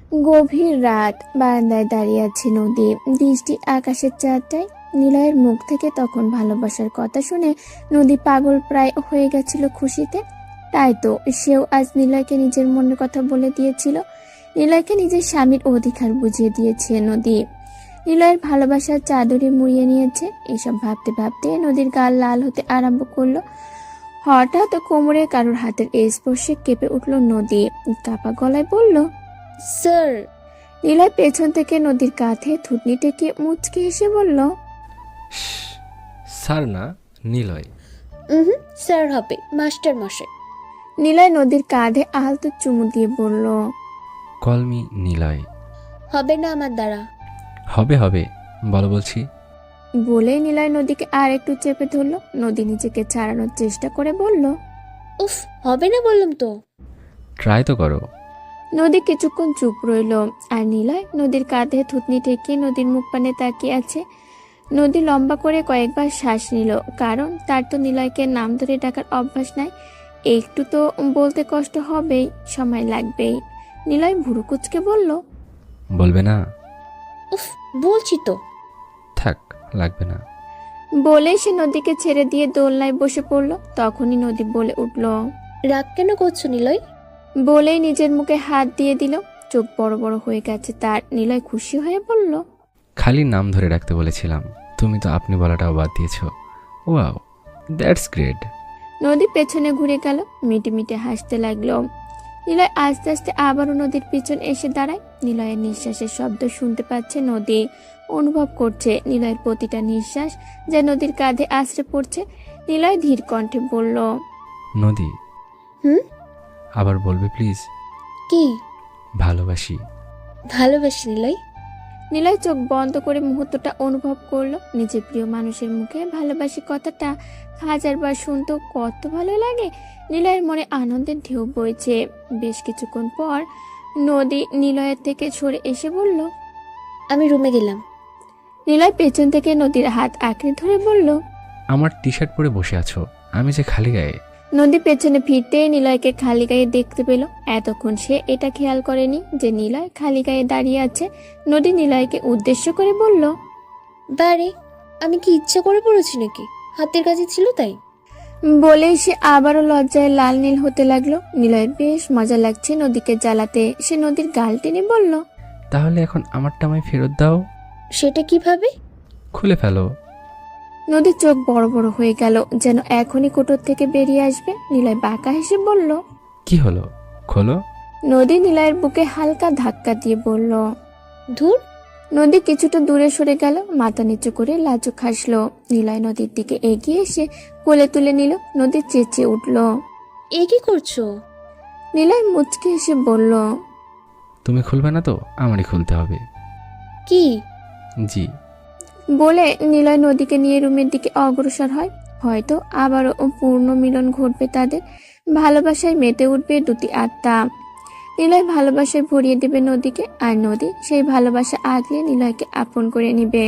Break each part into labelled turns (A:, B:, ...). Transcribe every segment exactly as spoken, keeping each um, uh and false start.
A: গভীর রাত, বারান্দায় দাঁড়িয়ে আছে নদী, দৃষ্টি আকাশের চারটায়। নিলয়ের মুখ থেকে তখন ভালোবাসার কথা শুনে নদী পাগল প্রায় হয়ে গেছিল খুশিতে। তাই তো সেও আজ নিলয়কে নিজের মনের কথা বলে দিয়েছিল। নিলয়কে নিজের স্বামীর অধিকার বুঝিয়ে দিয়েছে নদী। নিলয়ের ভালোবাসার চাদরে মুড়িয়ে নিয়েছে। এসব ভাবতে ভাবতে নদীর গাল লাল হতে আরম্ভ করলো। হঠাৎ কোমরে কারোর হাতের স্পর্শে কেঁপে উঠল নদী। কাপা গলায় বলল,
B: স্যার।
A: নিলয় পেছন থেকে নদীর কাঁধে থুতনি টেকে মুচকে হেসে বলল,
C: স্যার না, নিলয়।
B: হুম, স্যার হবে, মাস্টার মশাই।
A: নিলয় নদীর কাঁধে আলতো চুমু দিয়ে বলল,
C: কলমি নিলয়।
B: হবে না আমার দ্বারা।
C: হবে হবে, বলো বলছি।
A: বলে নিলয় নদীকে আর একটু চেপে ধরল। নদী নিজেকে ছাড়ানোর চেষ্টা করে বলল,
B: উফ, হবে না বললাম তো।
C: ট্রাই তো করো।
A: নদী কিছুক্ষণ চুপ রইল। আর নিলয় নদীর কাঁধে থুতনি ঠেকিয়ে নদীর মুখ পানে তাকিয়ে আছে। নদী লম্বা করে কয়েকবার শ্বাস নিল, কারণ তার তো নিলয়কে নাম ধরে ডাকার অভ্যাস নাই। একটু তো বলতে কষ্ট হবেই, সময় লাগবেই। নিলয় ভুরু কুচকে বলল,
C: বলবে না?
B: উফ, বলছি তো।
C: থাক, লাগবে না।
A: বলেই সে নদীকে ছেড়ে দিয়ে দোলনায় বসে পড়ল। তখনই নদী বলে উঠল,
B: রাগ কেন করছো নিলয়?
A: বলেই নিজের মুখে হাত দিয়ে দিল। চোখ বড় বড় হয়ে গেছে তার। নিলয় খুশি হয়ে বলল,
C: খালি নাম ধরে রাখতে বলেছিলাম, তুমি তো আপনি বলাটাও বাদ দিয়েছো। Wow, that's great.
A: নদী পেছনে ঘুরে গেল, মিটে মিটে হাসতে লাগলো। নিলয় আস্তে আস্তে আবারও নদীর পিছন এসে দাঁড়ায়। নিলয়ের নিঃশ্বাসের শব্দ শুনতে পাচ্ছে নদী। অনুভব করছে নিলয়ের প্রতিটা নিঃশ্বাস যা নদীর কাঁধে আছড়ে পড়ছে। নিলয় ধীর কণ্ঠে বলল,
C: নদী,
B: হুম?
C: আবার বলবে প্লিজ?
B: কি?
C: ভালোবাসি।
B: ভালোবাসি নিলয়।
A: নিলয় চোখ বন্ধ করে মুহূর্তটা অনুভব করলো। নিজের প্রিয় মানুষের মুখে ভালোবাসি কথাটা হাজারবার শুনতেও কত ভালো লাগে। নিলয়ের মনে আনন্দের ঢেউ বইছে। বেশ কিছুক্ষণ পর নদী নিলয়ের থেকে সরে এসে বলল,
B: আমি রুমে গেলাম।
A: নিলয় পেছন থেকে নদীর হাত আঁকড়ে ধরে বলল,
C: আমার টি শার্ট পরে বসে আছো, আমি যে খালি গায়ে।
A: নদী পেছনে ফিরতেই নিলয়কে খালি গায়ে দেখতে পেল। এতক্ষণ সে এটা খেয়াল করেনি যে নিলয় খালি গায়ে দাঁড়িয়ে আছে। নদী নিলয়কে উদ্দেশ্য করে বলল,
B: বারে, আমি কি ইচ্ছা করে পড়েছি নাকি? হাতের কাছে ছিল তাই।
A: বলেই সে আবারও লজ্জায় লাল নীল হতে লাগলো। নিলয়ের বেশ মজা লাগছে নদীকে জ্বালাতে। সে নদীর গাল টেনে বলল,
C: তাহলে এখন আমারটা আমায় ফেরত দাও।
B: সেটা কিভাবে?
C: খুলে ফেলো।
A: নদীর চোখ বড় বড় হয়ে গেল, যেন এখনই কোটর থেকে বেরিয়ে আসবে। নিলয় বাঁকা হেসে বলল,
C: কি হলো, খোলো।
A: নদী নিলয়ের বুকে হালকা ধাক্কা দিয়ে বলল,
B: ধুর।
A: নদী কিছুটা দূরে সরে গেল, মাথা নিচু করে লাজুক হাসলো। নিলয় নদীর দিকে এগিয়ে এসে কোলে তুলে নিল। নদী চেঁচিয়ে উঠল।
B: এ কি করছো?
A: নিলয় মুচকে এসে বলল,
C: তুমি খুলবে না তো আমারই খুলতে হবে।
B: কি?
C: জি।
A: বলে নিলয় নদীকে নিয়ে রুমের দিকে অগ্রসর হয়। হয়তো আবারও পূর্ণ মিলন ঘটবে তাদের। ভালোবাসায় মেতে উঠবে দুটি আত্মা। নিলয় ভালোবাসায় ভরিয়ে দেবে নদীকে, আর নদী সেই ভালোবাসা আগলে নিলয়কে আপন করে নিবে।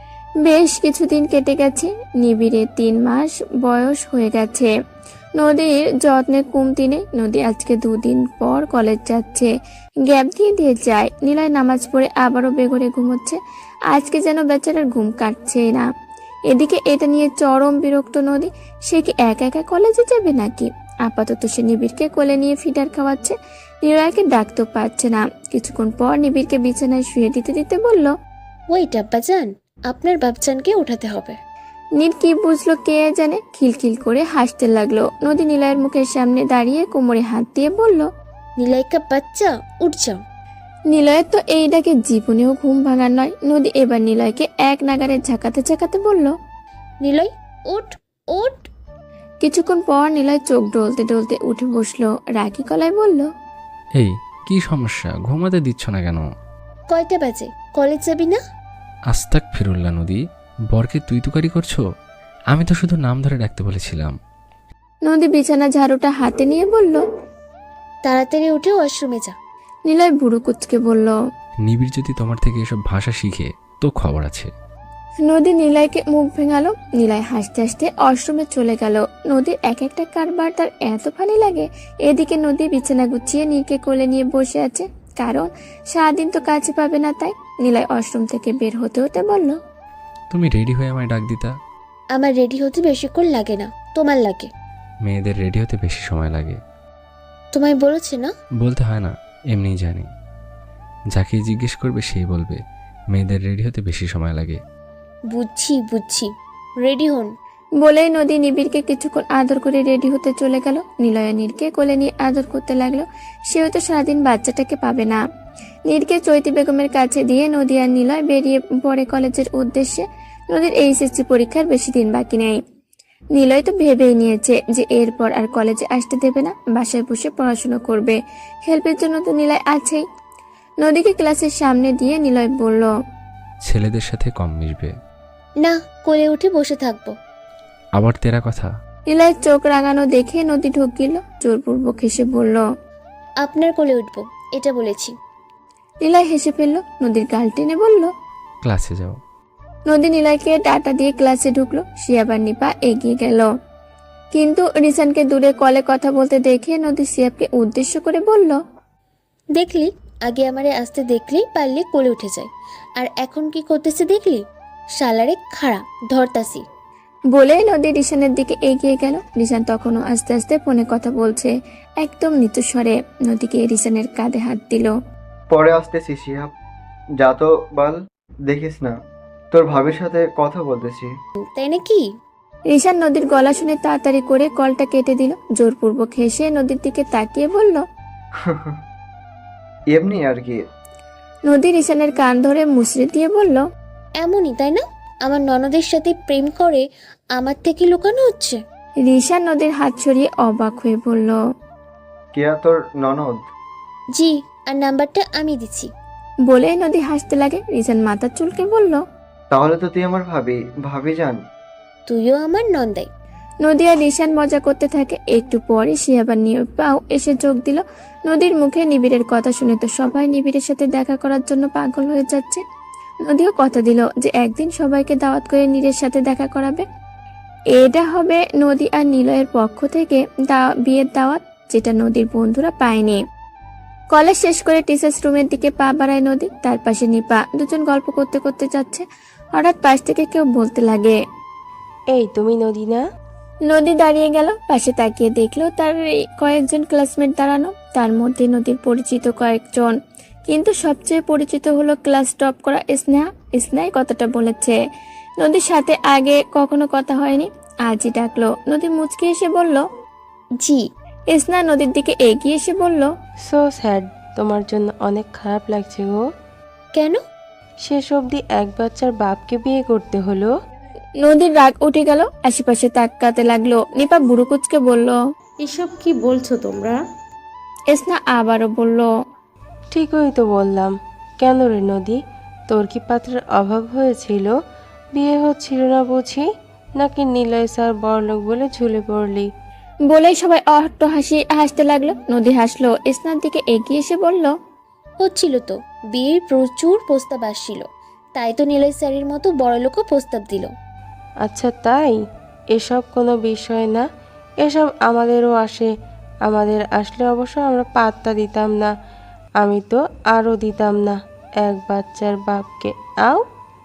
A: বেশ কিছুদিন কেটে গেছে। নিবিড়ে তিন মাস বয়স হয়ে গেছে। নদীর যত্নে কমতি নেই। নদী আজকে দুদিন পর কলেজ যাচ্ছে। গ্যাপ দিয়ে দিয়ে যায়। নিলয় নামাজ পড়ে আবারও বেঘরে ঘুমোচ্ছে। আজকে যেন বেচারার ঘুম কাটছে না। এদিকে এটা নিয়ে চরম বিরক্ত নদী। সে কি একা একা কলেজে যাবে নাকি? আপাতত সে নিবিড়কে কোলে নিয়ে ফিডার খাওয়াচ্ছে। নিলয়কে ডাকতেও পারছে না। কিছুক্ষণ পর নিবিড়কে বিছানায় শুয়ে দিতে দিতে বলল,
B: ওয়েট আব্বাজান, আপনার বাপজানকে উঠাতে হবে।
A: নীল কি বুঝলো কে জানে, খিলখিল করে হাসতে লাগলো। নদী নিলয়ের মুখের সামনে দাঁড়িয়ে কোমরে হাত দিয়ে বলল,
B: নিলয়কা বাচ্চা, উঠ যাও।
A: নিলয়ের তো এই ডাকে জীবনেও ঘুম ভাঙার নয়। নদী এবার নিলয়কে এক নাগারে ঝাঁকাতে ঝাঁকাতে বলল,
B: নিলয়, উঠ উঠ।
A: কিছুক্ষণ পর নিলয় চোখ ডলতে ডলতে উঠে বসলো। রাগী গলায় বলল,
C: এই কি সমস্যা, ঘুমাতে দিচ্ছ না কেন?
B: কয়টা বাজে? কলেজ যাবি না?
C: আস্তাক ফিরুল্লাহ নদী, বরকে তুই তুকারি করছো? আমি তো শুধু নাম ধরে ডাকতে বলেছিলাম।
A: নদী বিছানা ঝাড়ুটা হাতে নিয়ে বলল,
B: তাড়াতাড়ি উঠে ওয়াশরুমে যা।
A: নিলয় বুড়ো কুচকে বলল,
C: নিবিড় যদি তোমার থেকে এসব ভাষা শিখে তো খবর আছে।
A: নদী নিলয়কে মুখ ভেঙালো। নিলয় হাসতে হাসতে ওয়াশরুমে চলে গেল। নদীর এক একটা কারবার তার এত ভালো লাগে। এদিকে নদী বিছানা গুছিয়ে নীরকে কোলে নিয়ে বসে আছে। কারণ সারাদিন তো কাছে পাবে না। তাই নিলয় ওয়াশরুম থেকে বের হতে হতে বলল,
C: তুমি রেডি হয়ে আমায় ডাক দিতা।
B: আমার রেডি হতে বেশিক্ষণ লাগে না, তোমার লাগে।
C: মেয়েদের রেডি হতে বেশি সময় লাগে।
B: তোমায় বলেছে না?
C: বলতে হয় না, এমনিই জানি। যাকে জিজ্ঞেস করবে সেই বলবে মেয়েদের রেডি হতে বেশি সময় লাগে।
B: বুঝছি বুঝছি, রেডি হন।
A: বলেই নদী নিবিড়কে কিছুক্ষণ আদর করে রেডি হতে চলে গেল। নিলয় নীরকে কোলে নিয়ে আদর করতে লাগলো। সেও তো সারাদিন বাচ্চাটাকে পাবে না। নীরকে চৈতি বেগমের কাছে দিয়ে নদী আর নিলয় বেরিয়ে পড়ে কলেজের উদ্দেশ্যে। নদীর এইচএসসি পরীক্ষার বেশি দিন বাকি নেই। নিলয় তো ভেবেই নিয়েছে যে এরপর আর কলেজে আসতে দেবে না, বাসায় বসে পড়াশোনা করবে। হেল্পের জন্য তো নিলয় আছেই। নদীকে ক্লাসের সামনে দিয়ে নিলয় বলল,
C: ছেলেদের সাথে কম মিশবে।
B: না, কোলে উঠে বসে থাকবো।
C: আবার তেরা কথা।
A: নিলয়ের চোখ রাঙানো দেখে নদী ঢোক গেল। জোরপূর্বক হেসে বলল,
B: আপনার কোলে উঠবো, এটা বলেছি।
A: নিলয় হেসে ফেলল। নদীর গাল টেনে বলল,
C: ক্লাসে যাও।
A: নদী নিলয়কে ডাটা দিয়ে ক্লাসে ঢুকলো। সে আবার নিপা এগিয়ে গেল, কিন্তু রিসানকে দূরে কলে কথা বলতে দেখে নদী সিয়াবকে উদ্দেশ্য করে বলল,
B: দেখলি, আগে আমারে আসতে দেখলেই পারলে কোলে উঠে যায়, আর এখন কি করতেছে দেখলি? শালারে খাড়া ধরতাসি।
A: বলে নদী রিসানের দিকে এগিয়ে গেল। রিসান তখনও আস্তে আস্তে ফোনে কথা বলছে, একদম নিচু স্বরে। নদীকে রিসানের কাঁধে হাত দিল।
D: পরে আসতেছি শিহাব, যা তো বল। দেখিস না তোর ভাবির সাথে কথা বলতেছি।
B: তাই নাকি?
A: রিসান নদীর গলা শুনে তাড়াতাড়ি করে কলটা কেটে দিল। জোরপূর্বক হেসে নদীর দিকে তাকিয়ে বলল,
D: এমনি আর কি।
A: নদী রিসানের কান ধরে মুচড়ে দিয়ে বলল,
B: এমনই তাই না? আমার ননদের সাথে প্রেম করে আমার থেকে লুকানো হচ্ছে।
A: রিসান নদীর হাত সরিয়ে অবাক হয়ে বলল,
D: কেয়া তোর ননদ?
B: জি, আর নাম্বারটা আমি দিচ্ছি।
A: বলে নদী হাসতে লাগে। রিসান মাথা চুলকে বলল,
D: তাহলে তো তুই আমার ভাবি ভাবি যান।
B: তুইও আমার নন্দাই।
A: নদী আর রিসান মজা করতে থাকে। একটু পরে সে আবার নিপাও এসে যোগ দিল। নদীর মুখে নিবিড়ের কথা শুনে তো সবাই নিবিড়ের সাথে দেখা করার জন্য পাগল হয়ে যাচ্ছে। নদীও কথা দিল যে একদিন সবাইকে দাওয়াত করে নীরের সাথে দেখা করাবে। এটা হবে নদী আর নিলয়ের পক্ষ থেকে দা- বিয়ের দাওয়াত, যেটা নদীর বন্ধুরা পায়নি। কলেজ শেষ করে টিচার্স রুমের দিকে পা বাড়ায় নদী। তার পাশে নিপা। দুজন গল্প করতে করতে যাচ্ছে। হঠাৎ পাশ থেকে কেউ বলতে লাগে,
E: এই তুমি নদী না?
A: নদী দাঁড়িয়ে গেল। পাশে তাকিয়ে দেখলো তার এই কয়েকজন ক্লাসমেট দাঁড়ানো। তার মধ্যে নদীর পরিচিত কয়েকজন, কিন্তু সবচেয়ে পরিচিত হলো ক্লাস টপ করা স্নেহা। স্নেহাই কথাটা বলেছে। নদীর সাথে আগে কখনো কথা হয়নি, আজই ডাকলো। নদী মুচকে এসে বলল,
B: জি।
A: স্নেহা নদীর দিকে এগিয়ে এসে বলল,
E: সো স্যাড, তোমার জন্য অনেক খারাপ লাগছে গো।
B: কেন?
E: শেষ অবধি এক বাচ্চার বাপকে বিয়ে করতে হলো।
A: নদীর রাগ উঠে গেল। আশেপাশে তাকাতে লাগলো। নিপা বুড়ো কুচকে বলল,
F: এসব কি বলছো তোমরা?
A: স্নেহা আবারও বলল,
E: ঠিকই তো বললাম। কেন রে নদী, তোর কি পাত্রের অভাব হয়েছিল? বিয়ে হচ্ছিল না বুঝি? নাকি নিলয় স্যার বড়লোক বলে ঝুলে পড়লি?
A: বলেই সবাই অট্ট হাসি হাসতে লাগলো। নদী হাসলো। স্নেহার দিকে এগিয়ে এসে বলল,
B: হচ্ছিল তো, বিয়ের প্রচুর প্রস্তাব আসছিল, তাই তো নীলয় স্যারের মতো বড়লোকও প্রস্তাব দিল।
E: আচ্ছা তাই? এসব কোনো বিষয় না, এসব আমাদেরও আসে। আমাদের আসলে অবশ্য আমরা পাত্তা দিতাম না। আমি তো আরও দিতাম না এক বাচ্চার বাপকে। আও।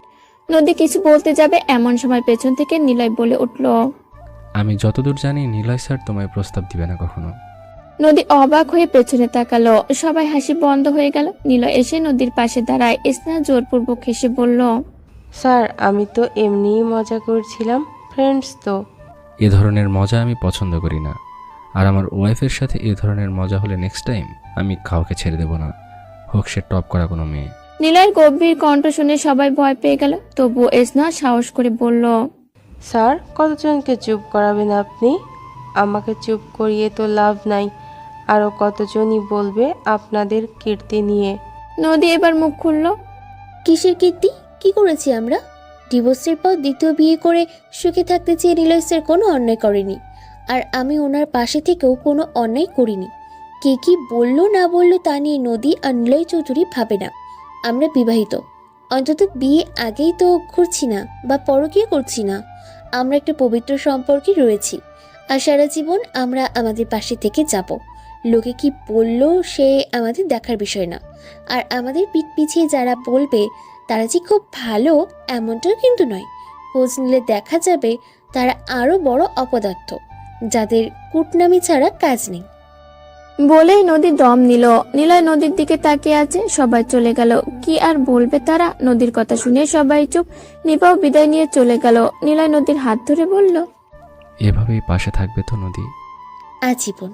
A: নদী কিছু বলতে যাবে এমন সময় পেছন থেকে নিলয় বলে উঠল।
C: আমি যতদূর জানি নিলয় স্যার তোমায় প্রস্তাব দিবে না কখনো।
A: নদী অবাক হয়ে পেছনে তাকালো। সবাই হাসি বন্ধ হয়ে গেল। নিলয় এসে নদীর পাশে দাঁড়ায়। স্নেহা জোরপূর্বক হেসে বলল,
E: স্যার আমি তো এমনিই মজা করছিলাম, ফ্রেন্ডস তো।
C: এ ধরনের মজা আমি পছন্দ করি না, আর আমার ওয়াইফের সাথে এ ধরনের মজা হলে নেক্সট টাইম আমি কাউকে ছেড়ে দেব না, হোক সে টপ করা কোনো মেয়ে।
A: নিলয়ের গম্ভীর কণ্ঠ শুনে সবাই ভয় পেয়ে গেল। তবুও স্নেহা সাহস করে বলল,
E: স্যার কতজনকে চুপ করাবেন আপনি? আমাকে চুপ করিয়ে তো লাভ নাই, আরও কতজনই বলবে আপনাদের কীর্তি নিয়ে।
A: নদী এবার মুখ খুলল।
B: কিসের কীর্তি? কি করেছি আমরা? ডিভোর্সের পর দ্বিতীয় বিয়ে করে সুখে থাকতে চেয়ে নীলয় স্যার কোনো অন্যায় করেনি, আর আমি ওনার পাশে থেকেও কোনো অন্যায় করিনি। কে কি বললো না বললো তা নিয়ে নদী আর নিলয় চৌধুরী ভাবে না। আমরা বিবাহিত, অন্তত বিয়ে আগেই তো করছি না বা পরকীয়া করছি না। আমরা একটা পবিত্র সম্পর্কে রয়েছি, আর সারা জীবন আমরা আমাদের পাশে থেকে যাব। লোকে কি বললো সে আমাদের দেখার বিষয় না। আর আমাদের পিঠ পিছিয়ে যারা বলবে তারা যে খুব ভালো এমনটাও কিন্তু নয়। খোঁজ নিলে দেখা যাবে তারা আরও বড় অপদার্থ, যাদের কুটনামি ছাড়া কাজ নেই।
A: বলেই নদী দম নিল। নিলয় নদীর দিকে তাকিয়ে আছে। সবাই চলে গেল। কি আর বলবে তারা? নদীর কথা শুনে সবাই চুপ। নিপাও বিদায় নিয়ে চলে গেল। নিলয় নদীর হাত ধরে বলল,
C: এভাবেই পাশে থাকবে তো নদী?
B: আজীবন।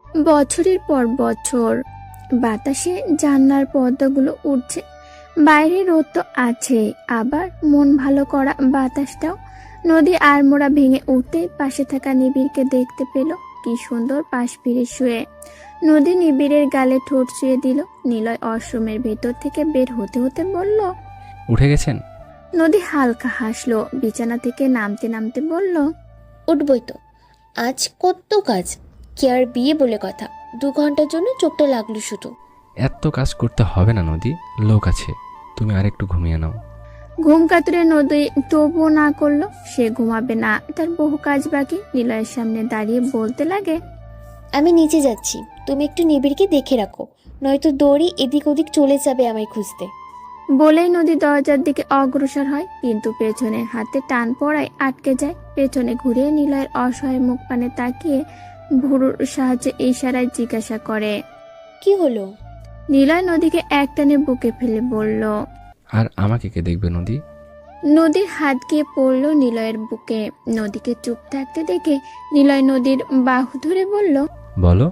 A: বছরের পর বছর বাতাসে জানলার পর্দাগুলো উঠছে। বাইরে রোদ তো আছে, আবার মন ভালো করা বাতাসটাও। নদী আড়মোড়া ভেঙে উঠতে পাশে থাকা নিবিড়কে দেখতে পেল। কি সুন্দর পাশ ফিরে শুয়ে। নদী নিবিড়ের গালে ঠোঁট ছুঁয়ে দিল। নিলয় অশ্রমের ভেতর থেকে বের হতে হতে বলল।
C: উঠে গেছেন?
A: নদী হালকা হাসলো। বিছানা থেকে নামতে নামতে বলল,
B: উঠবই তো, আজ কত কাজ। কি আর বিয়ে বলে কথা, দু ঘন্টার জন্য চোখটা লাগলো শুধু।
C: এত কাজ করতে হবে না নদী, লোক আছে, তুমি আরেকটু ঘুমিয়ে নাও।
A: ঘুম কাতুরে নদী তবুও না করলো। সে ঘুমাবে না, তার বহু কাজ বাকি। নিলয়ের সামনে দাঁড়িয়ে বলতে লাগে,
B: আমি নিচে যাচ্ছি, তুমি একটু নিবিড়কে দেখে রাখো, নয়তো দড়ি এদিক ওদিক চলে যাবে আমায় খুঁজতে।
A: বলেই নদী দরজার দিকে অগ্রসর হয়, কিন্তু পেছনে হাতে টান পড়ায় আটকে যায়। পেছনে ঘুরে নিলয়ের অসহায় মুখ পানে তাকিয়ে ভুরুর সাহায্যে ইশারায় জিজ্ঞাসা করে।
B: কি হলো?
A: নিলয় নদীকে একটানে বুকে ফেলে বলল।
C: আর আমাকে কে দেখবে নদী?
A: নদীর হাত গিয়ে পড়ল নিলয়ের বুকে। নদীকে চুপ থাকতে দেখে নিলয় নদীর বাহু ধরে বলল,
C: বলো।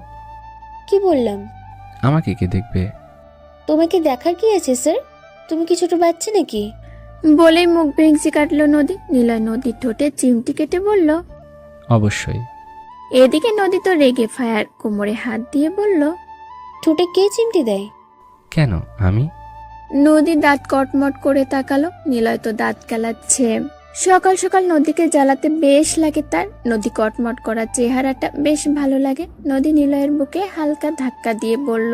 B: কি বললাম?
C: আমাকে কে দেখবে?
B: তোমাকে দেখার কি আছে স্যার? তুমি কি ছোট বাচ্চা নাকি?
A: বলেই মুখ ভেঙচি কাটলো নদী। নিলয় নদীর ঠোঁটে চিমটি কেটে বলল,
C: অবশ্যই।
A: এদিকে নদী তো রেগে ফায়ার। কোমরে হাত দিয়ে বলল,
B: ঠোঁটে কে চিমটি দেয়?
C: কেন আমি?
A: নদী দাঁত কটমট করে তাকালো। নিলয় তো দাঁত কেলাচ্ছে। সকাল সকাল নদীকে জ্বালাতে বেশ লাগে তার। নদী কটমট করা চেহারাটা বেশ ভালো লাগে। নদী নিলয়ের বুকে হালকা ধাক্কা দিয়ে বলল,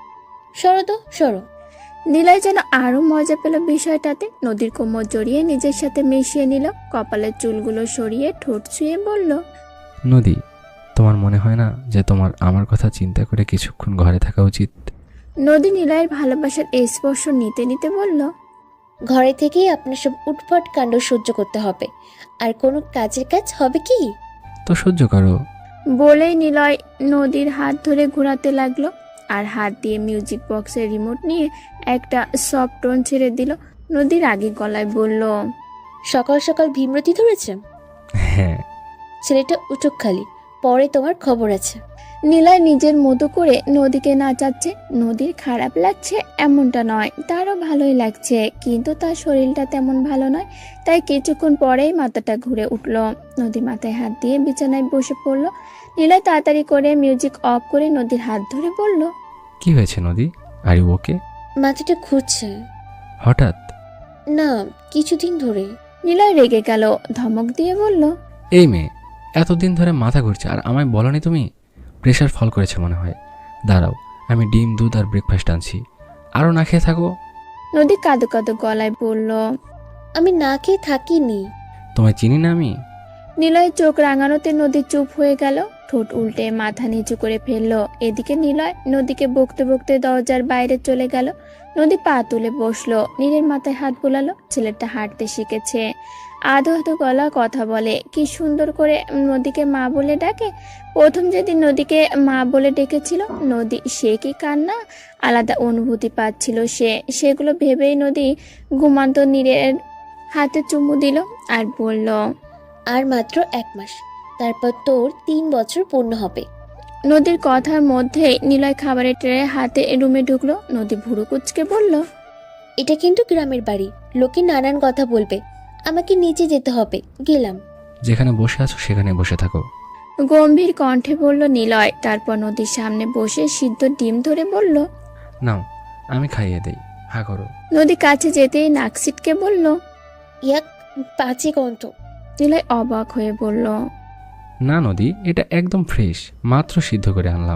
B: সরো তো সরো।
A: নিলয় যেন আরো মজা পেল বিষয়টাতে। নদীর কোমর জড়িয়ে নিজের সাথে মিশিয়ে নিল। কপালের চুলগুলো সরিয়ে ঠোঁট ছুঁয়ে বলল,
C: নদী, তোমার মনে হয় না যে তোমার আমার কথা চিন্তা করে কিছুক্ষণ ঘরে থাকা উচিত?
A: নদী নিলয়ের ভালোবাসার এই স্পর্শ নিতে নিতে বলল,
B: ঘরে থেকেই আপনার সব উটফট কাণ্ড সহ্য করতে হবে, আর কোনো কাজের কাজ হবে কি?
C: তো সহ্য করো।
A: বলেই নিলয় নদীর হাত ধরে ঘোরাতে লাগলো, আর হাত দিয়ে মিউজিক বক্সের রিমোট নিয়ে একটা সফট টোন ছেড়ে দিল। নদীর আগে গলায় বলল,
B: সকাল সকাল ভীমরতি ধরেছে?
C: হ্যাঁ।
B: ছেলেটা উঠুক খালি, পরে তোমার খবর আছে।
A: নিলয় নিজের মতো করে নদীকে নাচাচ্ছে। নদীর খারাপ লাগছে এমনটা নয়, তারও ভালোই লাগছে, কিন্তু তার শরীরটা তেমন ভালো নয়। তাই কিছুক্ষণ পরেই মাথাটা ঘুরে উঠল। নদী মাথায় হাত দিয়ে বিছানায় বসে পড়ল। নিলয় তাড়াতাড়ি করে মিউজিক অফ করে নদীর হাত ধরে বলল,
C: কি হয়েছে নদী? Are you okay?
B: মাথাটা ঘুরছে।
C: হঠাৎ?
B: না, কিছুদিন ধরে।
A: নিলয় রেগে গেল। ধমক দিয়ে বলল,
C: এই মেয়ে, এতদিন ধরে মাথা ঘুরছে আর আমায় বলনি তুমি? প্রেশার ফল করেছে মনে হয়। দাঁড়াও, আমি ডিম দুধ আর ব্রেকফাস্ট আনছি, আরও না খেয়ে থাকো।
A: নদী কাঁদো কাঁদো গলায় বলল,
B: আমি না খেয়ে থাকিনি।
C: তোমায় চিনি না আমি?
A: নিলয়ের চোখ রাঙানোতে নদী চুপ হয়ে গেল। ঠোঁট উল্টে মাথা নিচু করে ফেললো। এদিকে নিলয় নদীকে বকতে বকতে দরজার বাইরে চলে গেল। নদী পা তুলে বসলো, নীলের মাথায় হাত বুলালো। ছেলেটা হাঁটতে শিখেছে, আধো আধো গলা কথা বলে। কি সুন্দর করে নদীকে মা বলে ডাকে। প্রথম যেদিন নদীকে মা বলে ডেকেছিল নদী, সে কি কান্না, আলাদা অনুভূতি পাচ্ছিল সে। সেগুলো ভেবেই নদী ঘুমান্ত নীলের হাতে চুমু দিল আর বলল,
B: আর মাত্র এক মাস, তারপর তোর তিন বছর পূর্ণ হবে।
A: নদীর কথার মধ্যে নিলয় খাবারের ট্রে হাতে রুমে ঢুকলো। নদী ভুরু কুচকে বলল,
B: এটা কিন্তু গ্রামের বাড়ি, লোকে নানান কথা বলবে, আমাকে নিচে যেতে হবে, গেলাম।
C: যেখানে বসে আছো সেখানে বসে থাকো।
A: গম্ভীর কণ্ঠে বলল নিলয়। তারপর নদীর সামনে বসে সিদ্ধ ডিম ধরে বলল,
C: নাও, আমি খাইয়ে দেই, হা করো।
A: নদী কাছে যেতেই নাক সিটকে বলল,
B: ইয়াক, পাঁচে গন্ত।
A: নিলয় অবাক হয়ে বলল,
C: না নদী, এটা একদম ফ্রেশ, মাত্র সিদ্ধ করে আনলাম।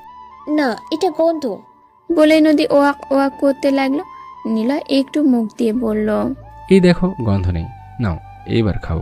B: না, এটা গন্ধ।
A: বলে নদী ওয়াক ওয়াক করতে লাগলো। নিলয় একটু মুখ দিয়ে বলল,
C: এই দেখো, গন্ধ নেই, নাও এইবার খাও।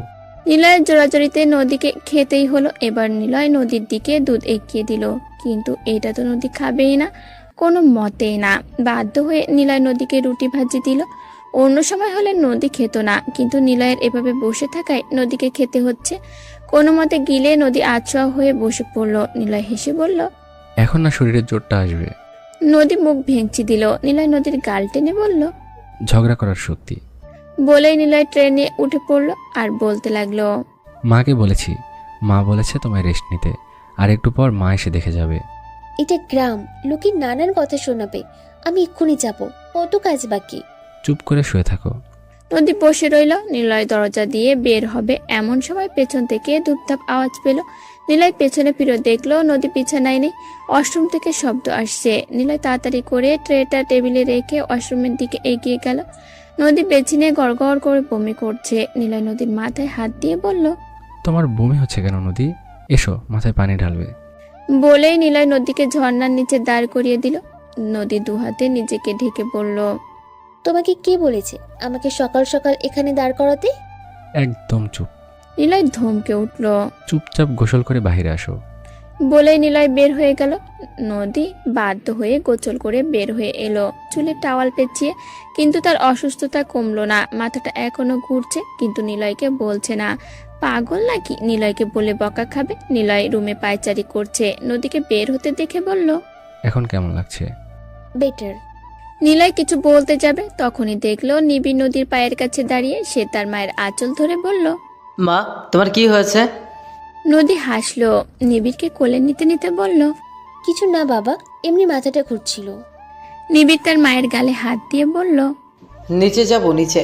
A: নিলয়ের জোরাজোরিতে নদীকে খেতেই হলো। এবার নিলয় নদীর দিকে দুধ এগিয়ে দিল, কিন্তু এটা তো নদী খাবেই না, কোনো মতেই না। বাধ্য হয়ে নিলয় নদীকে রুটি ভাজি দিল। অন্য সময় হলে নদী খেত না, কিন্তু নিলয়ের এভাবে বসে থাকায় নদীকে খেতে হচ্ছে। কোনো মতে গিলে নদী আছোয়া হয়ে বসে পড়ল। নিলয় হেসে বলল,
C: এখন না শরীরের জোরটা আসবে।
A: নদী মুখ ভেঙচি দিল। নিলয় নদীর গাল টেনে বলল,
C: ঝগড়া করার শক্তি।
A: বলেই নিলয় ট্রেনে উঠে পড়ল আর বলতে লাগলো,
C: মাকে বলেছি, মা বলেছে তোমায় রেস্ট নিতে, আর একটু পর মা এসে দেখে যাবে।
B: এটা গ্রাম, লোকে নানান কথা শোনাবে। আমি এক্ষুনি যাব, কত কাজ বাকি।
C: চুপ করে শুয়ে থাকো।
A: নদী বসে রইল। নিলয় দরজা দিয়ে বের হবে এমন সময় পেছন থেকে ধূপধাপ আওয়াজ পেল। নিলয় পেছনে ফিরে দেখলো নদী বিছানায় নেই, ওয়াশরুম থেকে শব্দ আসছে। নিলয় তাড়াতাড়ি করে ট্রেটা টেবিলে রেখে ওয়াশরুমের দিকে এগিয়ে গেল। নদী বেছে নিয়ে গড় গড় করে বমি করছে। নিলয় নদীর মাথায় হাত দিয়ে বলল,
C: তোমার বমি হচ্ছে কেন নদী? এসো, মাথায় পানি ঢালবে।
A: বলেই নিলয় নদীকে ঝর্ণার নিচে দাঁড় করিয়ে দিল। নদী দুহাতে নিজেকে ঢেকে বলল,
B: তোমাকে কে বলেছে আমাকে সকাল সকাল এখানে দাঁড় করাতে?
C: একদম চুপ।
A: নিলয় ধমকে উঠল।
C: চুপচাপ গোসল করে বাইরে আসো।
A: বলেই নিলয় বের হয়ে গেল। নদী বাধ্য হয়ে গোসল করে বের হয়ে এলো, চুলে টাওয়াল পেঁচিয়ে। কিন্তু তার অসুস্থতা কমলো না, মাথাটা এখনো ঘুরছে, কিন্তু নিলয়কে বলছে না। পাগল নাকি নিলয়কে বলে বকা খাবে? নিলয় রুমে পায়চারি করছে, নদীকে বের হতে দেখে বলল,
C: এখন কেমন লাগছে?
B: বেটার।
A: নিলয় কিছু বলতে যাবে, তখনই দেখলো নিবিড় নদীর পায়ের কাছে দাঁড়িয়ে। সে তার মায়ের আঁচল ধরে বলল,
G: মা, তোমার কি হয়েছে?
A: নদী হাসলো, নিবিড়কে কোলে নিতে নিতে বলল,
B: কিছু না বাবা, এমনি মাথাটা ঘুরছিল।
A: নিবিড় তার মায়ের গালে হাত দিয়ে বলল,
G: নিচে যাব, নিচে।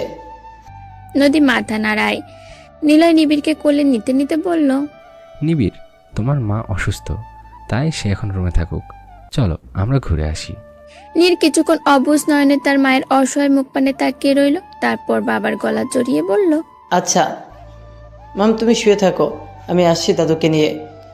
A: নদী মাথা নাড়ায়। নিলয় নিবিড়কে কোলে নিতে নিতে বলল,
C: নিবিড়, তোমার মা অসুস্থ, তাই সে এখন রুমে থাকুক, চলো আমরা ঘুরে আসি।
A: নীর কিছুক্ষণ অবুঝ নয়নে তার মায়ের অসহায় মুখ পানে তাকিয়ে রইল। তারপর বাবার গলা জড়িয়ে বলল,
G: আচ্ছা মাম, তুমি শুয়ে থাকো, আমি আসছি দাদুকে নিয়ে।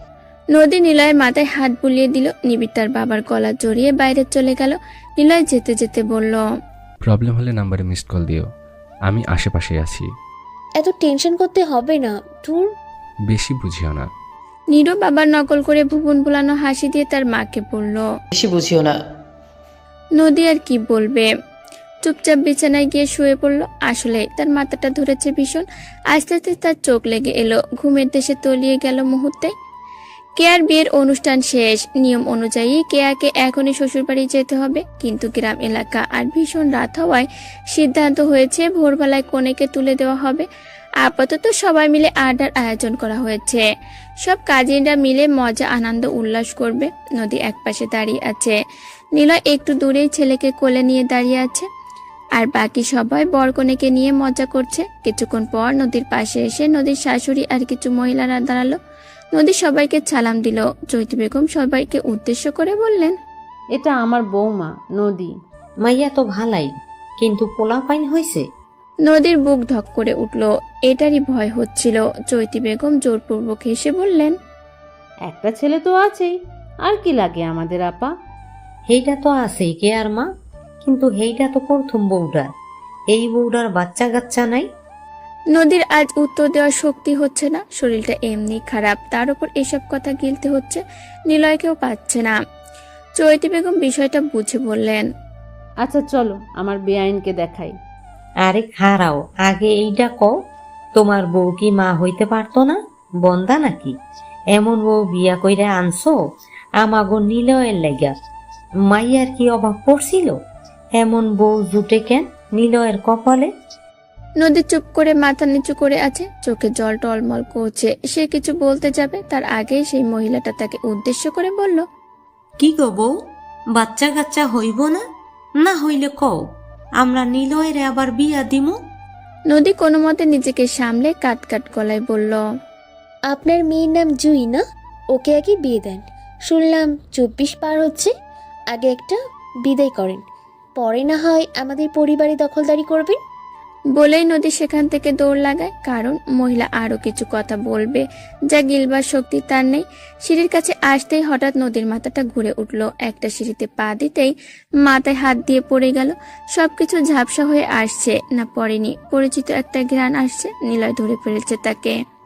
A: নদী নিলয়ের মাথায় হাত বুলিয়ে দিল। নিবিড় তার বাবার গলা জড়িয়ে বাইরে চলে গেল। নিলয় যেতে যেতে বলল,
C: প্রবলেম হলে নাম্বারে মিসড কল দিও, আমি আশেপাশে আছি।
B: এত টেনশন করতে হবে না, দূর।
C: বেশি বুঝিও না।
A: নীরও বাবার নকল করে ভুবন ভুলানো হাসি দিয়ে তার মাকে বলল।
G: বেশি বুঝিও না।
A: নদী আর কি বলবে, চুপচাপ বিছানায় গিয়ে শুয়ে পড়ল। আসলে তার মাথাটা ধরেছে ভীষণ। আস্তে আস্তে তার চোখ লেগে এলো, ঘুমের দেশে তলিয়ে গেল মুহূর্তে। কেয়ার বিয়ের অনুষ্ঠান শেষ। নিয়ম অনুযায়ী কেয়াকে এখনই শ্বশুরবাড়ি যেতে হবে, কিন্তু গ্রাম এলাকা আর ভীষণ রাত হওয়ায় সিদ্ধান্ত হয়েছে ভোরবেলায় কনেকে তুলে দেওয়া হবে। আপাতত সবাই মিলে আড্ডার আয়োজন করা হয়েছে। সব কাজিনরা মিলে মজা আনন্দ উল্লাস করবে। নদী একপাশে দাঁড়িয়ে আছে, নিলয় একটু দূরেই ছেলেকে কোলে নিয়ে দাঁড়িয়ে আছে, আর বাকি সবাই বরকনেকে নিয়ে মজা করছে। কিছুক্ষণ পর নদীর পাশে এসে নদীর শাশুড়ি আর কিছু মহিলারা দাঁড়ালো। নদী সবাইকে সালাম দিল। চৈতি বেগম সবাইকে উদ্দেশ্য করে বললেন,
F: এটা আমার বৌমা নদী।
H: মাইয়া তো ভালাই, কিন্তু পোলা পাইন হয়েছে।
A: নদীর বুক ধক করে উঠল, এটারই ভয় হচ্ছিল। চৈতি বেগম জোরপূর্বক হেসে বললেন,
F: একটা ছেলে তো আছেই, আর কি লাগে আমাদের আপা।
H: হেইটা তো আছেই কে আর মা, কিন্তু হেইটা তো প্রথম বউডার। এই বউডার বাচ্চা কাচ্চা নাই।
A: নদীর আজ উত্তর দেওয়ার শক্তি হচ্ছে না, শরীরটা এমনি খারাপ, তার উপর এসব কথা গিলতে হচ্ছে। নিলয়কেও পাচ্ছে না। চৈতি বেগম বিষয়টা বুঝে বললেন,
F: আচ্ছা চলো আমার বেআইনকে দেখাই।
H: আরে খারাও, আগে এইটা কও, তোমার বউ কি মা হইতে পারতো না? বন্দা নাকি? এমন বউ বিয়া কইরা আনছো আমাগো নিলয়ের লাগা। মাইয়ার কি অভাব পড়ছিল? এমন বউ জুটে কেন নিলয়ের কপালে?
A: নদী চুপ করে মাথা নিচু করে আছে, চোখে জল টলমল করছে। সে কিছু বলতে যাবে, তার আগেই সেই মহিলাটা তাকে উদ্দেশ্য করে বলল,
H: কি গো বউ, বাচ্চা কাচ্চা হইব না? না হইলে কও, আমরা নিলয়ের আবার বিয়া দিমু।
A: নদী কোনো মতে নিজেকে সামলে কাট কাট গলায় বলল,
B: আপনার মেয়ের নাম জুই না? ওকে আগে বিয়ে দেন। শুনলাম চব্বিশ পার হচ্ছে, আগে একটা বিদায় করেন, পরে না হয় আমাদের পরিবারে দখলদারি করবেন।
A: বলেই নদী সেখান থেকে দৌড় লাগায়, কারণ মহিলা আরো কিছু কথা বলবে যা গিলবার শক্তি তার নেই। সিঁড়ির কাছে আসতেই হঠাৎ নদীর মাথাটা ঘুরে উঠল। একটা সিঁড়িতে পা দিতেই মাথায় হাত দিয়ে পড়ে গেল। সবকিছু ঝাপসা হয়ে আসছে, না পড়েনি, পরিচিত একটা ঘ্রাণ আসছে। নিলয় ধরে ফেলেছে তাকে।